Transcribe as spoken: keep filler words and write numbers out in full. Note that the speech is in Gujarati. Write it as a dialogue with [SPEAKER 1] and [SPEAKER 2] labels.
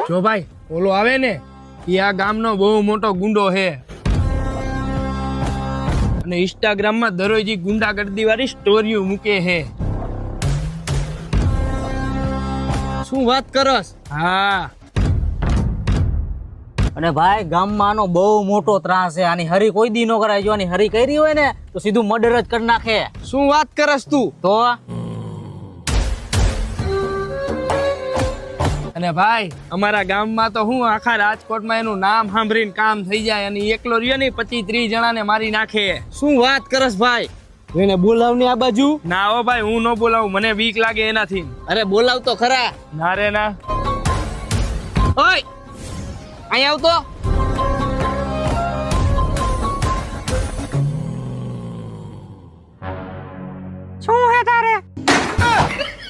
[SPEAKER 1] જો ભાઈ ઓલો આવે ને એ આ ગામનો બહુ મોટો ગુંડો છે અને ઇન્સ્ટાગ્રામમાં દરરોજ ઈ ગુંડાગર્દી વાળી સ્ટોરીઓ મૂકે છે.
[SPEAKER 2] શું વાત કરસ?
[SPEAKER 1] હા
[SPEAKER 2] અને ભાઈ ગામમાં આનો બહુ મોટો ત્રાસ છે. આની હરી કોઈ દી નો કરાય. જો આની હરી કરી હોય ને તો સીધું મર્ડર જ કરી નાખે.
[SPEAKER 1] શું વાત કરસ તું?
[SPEAKER 2] તો
[SPEAKER 1] અને ભાઈ અમારા ગામમાં તો હું આખા રાજકોટમાં એનું નામ સાંભળીને કામ થઈ જાય અને એકલો રહ્યો ને પચીસ ત્રીસ જણાને મારી નાખે.
[SPEAKER 2] શું વાત કરસ ભાઈ? એને બોલાવની આ બાજુ.
[SPEAKER 1] ના હો ભાઈ હું ન બોલાવું, મને બીક લાગે એનાથી.
[SPEAKER 2] અરે બોલાવ તો ખરા.
[SPEAKER 1] ના રે ના.
[SPEAKER 2] ઓય અહીંયા આવતો.
[SPEAKER 3] શું હે તારે?